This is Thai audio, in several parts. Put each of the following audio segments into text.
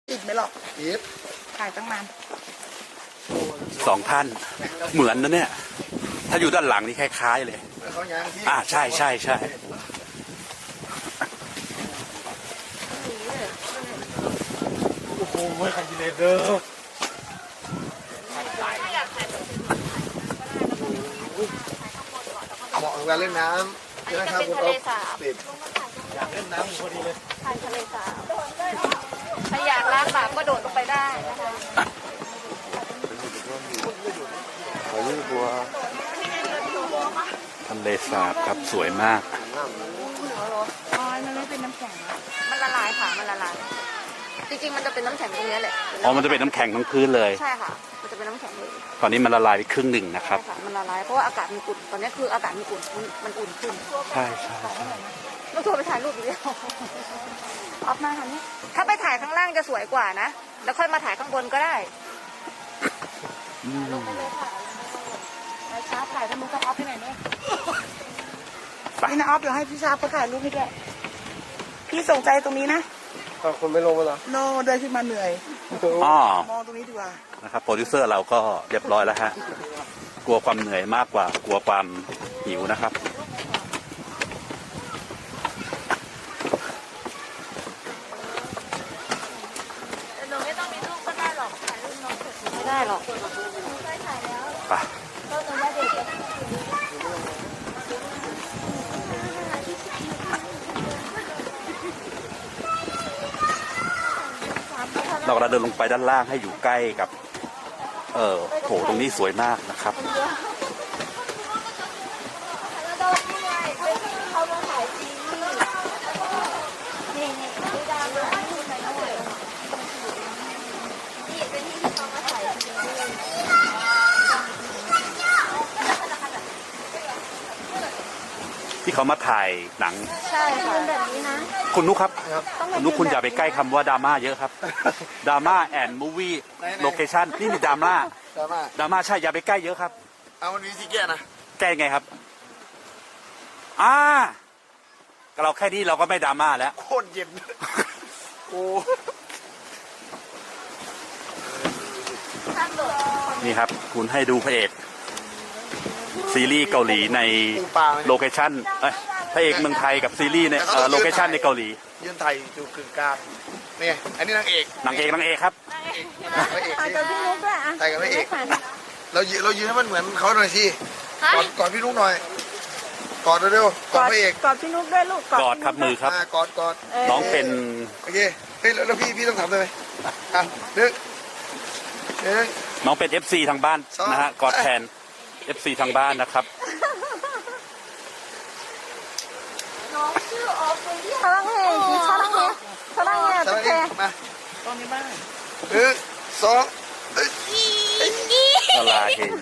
ติดไหมหรอกยิบถ่ายตั้งนานสองท่านเหมือนนะเนี่ย ถ้าอยู่ด้านหลังนี่คล้ายๆเลยเขายางที่ใช่ใช่ใช่โอ้โหไม่คันกิเลสเด้อเหมาะกับการเล่นน้ำใช่ไหมครับคุณอ๊อฟติดอยากเล่นน้ำพอดีเลยทานทะเลสาบถ้าอยากล้างบาปก็โดดลงไปได้นะคะขอยืดตัวทะเลสาบครับสวยมากอ๋อมันไม่เป็นน้ำแข็งอะมันละลายค่ะ มันละลาย จริงๆ มันจะเป็นน้ำแข็งตรงนี้แหละอ๋อมันจะเป็นน้ำแข็งทั้งพื้นเลยใช่ค่ะ มันจะเป็นน้ำแข็งเลยตอนนี้มันละลายไปครึ่งหนึ่งนะครับใช่ค่ะ มันละลาย เพราะว่าอากาศมันอุ่น ตอนนี้คืออากาศมันอุ่น มันอุ่นขึ้นใช่ใช่ใช่ต้องโทรไปถ่ายรูปอีกแล้วออฟมาค่ะนี่ถ้าไปถ่ายข้างล่างจะสวยกว่านะ แล้วค่อยมาถ่ายข้างบนก็ได้อืมไปช้าถ่ายถ้ามึงต้องออฟไปไหนเนี่ยนี่นะออฟเดี๋ยวให้พี่ชาเขาถ่ายรูปให้ด้วยพี่สนใจตรงนี้นะคนไม่ลงมาเหรอโนเดินขึ้นมาเหนื่อยอ๋อมองตรงนี้ดีกว่านะครับโปรดิวเซอร์เราก็เรียบร้อยแล้วฮะกลัวความเหนื่อยมากกว่ากลัวความหิวนะครับหนูไม่ต้องมีรูปก็ได้หรอก ถ่ายรูปน้องเสร็จไม่ได้หรอกได้ถ่ายแล้วไปก็หนูว่าเด็กเรากำลังเดินลงไปด้านล่างให้อยู่ใกล้กับ โถตรงนี้สวยมากนะครับเราที่ไงเขามาถ่ายซีรีส์นี่ดูดาวนะนี่ไปแล้วนี่เป็นที่เขามาถ่ายซีรีส์ที่เขามาถ่ายหนังใช่ค่ะแบบนี้นะคุณนุกครับคุณนุกคุณอย่าไปใกล้คำว่าดราม่าเยอะครับดราม่าแอนด์มูวี่โลเคชั่นนี่มีดราม่าดราม่าดราม่าใช่อย่าไปใกล้เยอะครับเอาวันนี้สิแก่นะแกล้งไงครับเราแค่นี้เราก็ไม่ดราม่าแล้วโคตรเย็นโอ้นี่ครับ คุณให้ดูพระเอกซีรีส์เกาหลีในปูปลาไหมโลเคชั่นพระเอกเมืองไทยกับซีรีส์ในโลเคชั่นในเกาหลียืนไทยอยู่กึ่งกลางนี่อันนี้นางเอกนางเอกครับพระเอกถ่ายกับพี่นุ๊กด้วยอ่ะไทยกับพระเอกเรายืนให้มันเหมือนเขาหน่อยสิกอดพี่นุ๊กหน่อยกอดเร็วๆกอดพระเอกกอดพี่นุ๊กด้วยลูกกอดครับมือครับกอดน้องเป็นโอเคเฮ้ยแล้วพี่ต้องทำได้ไหมนึกน้องเป็น FC ทางบ้านนะฮะกอดแทน FC ทางบ้านนะครับน้องชื่อออฟเป็นที่사랑해 사랑해 สวัสดี 어떡해 มาตรงนี้บ้างสองละลายเอง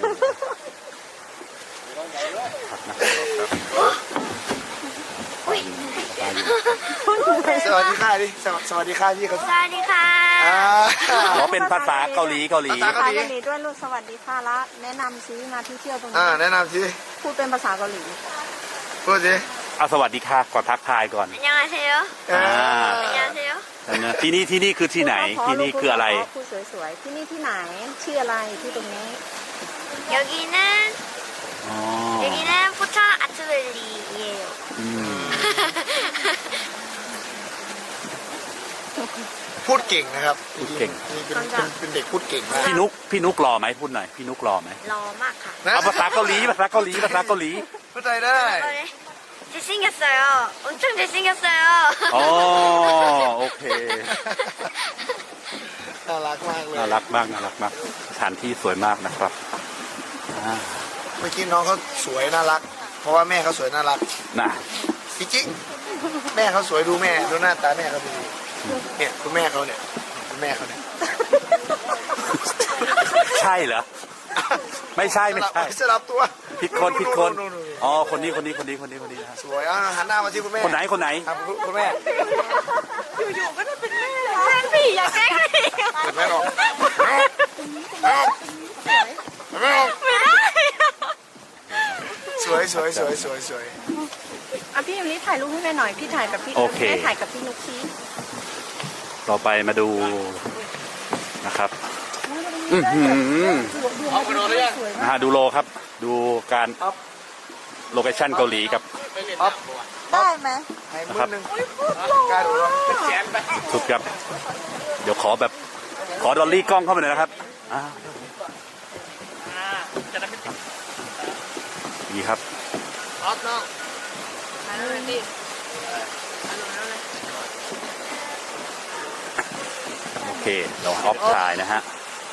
สวัสดีค่ะดิสวัสดีค่ะพี่เขาสวัสดีค่ะขอเป็นภาษาเกาหลีภาษาภาษาเกาหลีด้วยลูกสวัสดีค่ะละแนะนำซิมาที่เที่ยวตรงนี้แนะนำสิพูดเป็นภาษาเกาหลีพูดสิเอาสวัสดีค่ะก่อนทักทายก่อน 안녕하세요 안녕하세요 ที่นี่คือที่ไหนที่นี่คืออะไรพูดสวยๆที่นี่ที่ไหนชื่ออะไรที่ตรงนี้ 여기는 อ๋อ 여기는 포차 아트밸리예요. อืมพูดเก่งนะครับพูดเก่งเป็นเด็กพูดเก่งมากพี่นุกรอไหมพูดหน่อยพี่นุกรอไหมรอมากค่ะเอาภาษาเกาหลีภาษาเกาหลีภาษาเกาหลีพูดไทยได้ 잘생겼어요. 엄청 잘생겼어요. อ๋อโอเคน่ารักมากเลยน่ารักมากน่ารักมากสถานที่สวยมากนะครับเมื่อกี้น้องเขาสวยน่ารัก เพราะว่าแม่เขาสวยน่ารักนะจริงๆแม่เขาสวยดูแม่ดูหน้าตาแม่เขาดูเนี่ยคุณแม่เขาเนี่ยคุณแม่เขาเนี่ยใช่เหรอไม่ใช่ไม่ใช่สลับตัวผิดคนอ๋อคนนี้นะฮะสวยหันหน้ามาที่คุณแม่คนไหนครับคุณแม่อยู่ๆก็ได้เป็นแม่แกล้งผีอย่าแกล้งผีเปิดแม่ออกไม่ออกสวยอ่ะพี่อยู่นี่ถ่ายรูปให้แม่หน่อยพี่ถ่ายกับพี่โอเคแม่ถ่ายกับพี่นุ๊กซีต่อไปมาดูนะครับนะฮะดูโลครับ ดูการโลเคชั่นเกาหลีกับได้ไหมให้มือหนึ่งกล้าดูหรอสุดครับ เดี๋ยวขอแบบขอดอลลี่กล้องเข้ามาหน่อยนะครับดีครับโอเคเราออฟถ่ายนะฮะ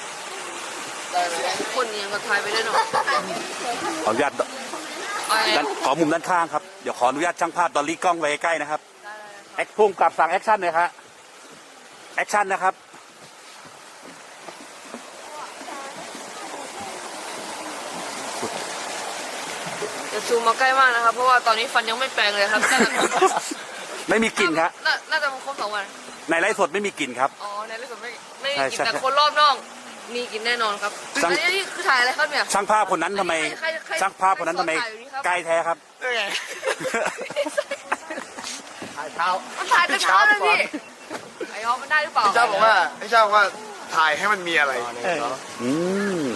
คนยังก็ทายไปได้หน่อยขออนุญาตขอมุมด้านข้างครับ เดี๋ยวขออนุญาตช่างภาพดอลลี่กล้องไว้ใกล้นะครับแอคพุ่งกลับสั่งแอคชั่นเลยครับแอคชั่นนะครับจะซูมมาใกล้มากนะครับ เพราะว่าตอนนี้ฟันยังไม่แปลงเลยครับไม่มีกลิ่นครับน่าจะมาครบ2 วันในไลฟ์สดไม่มีกลิ่นครับอ๋อในที่สุดไม่ใช่กินใช่แต่คนรอบนอกมีกินแน่นอนครับสั่งอันนี้คือถ่ายอะไรครับเนี่ยช่างภาพคนนั้นทำไมใครช่างภาพคนนั้นทำไมถ่ายอยู่นี่ครับใกล้แท้ครับถ่ายเท้ามันถ่ายแต่เช้าเลยพี่ไอ้ฮอมันได้หรือเปล่าพี่ชาบอกว่าถ่ายให้มันมีอะไรอืม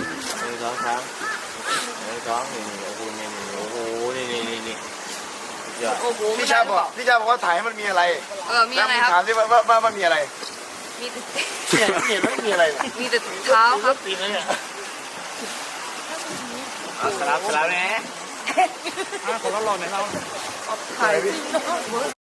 โอ้โหพี่ชาบอกว่าถ่ายให้มันมีอะไรมีแล้วอะไรมึงคถารัมบสิว่ามันมีอะไรมีแต่เห็นไหมมีอะไรเนี่ยมีแต่เท้าครับสลับแน่ถ่าย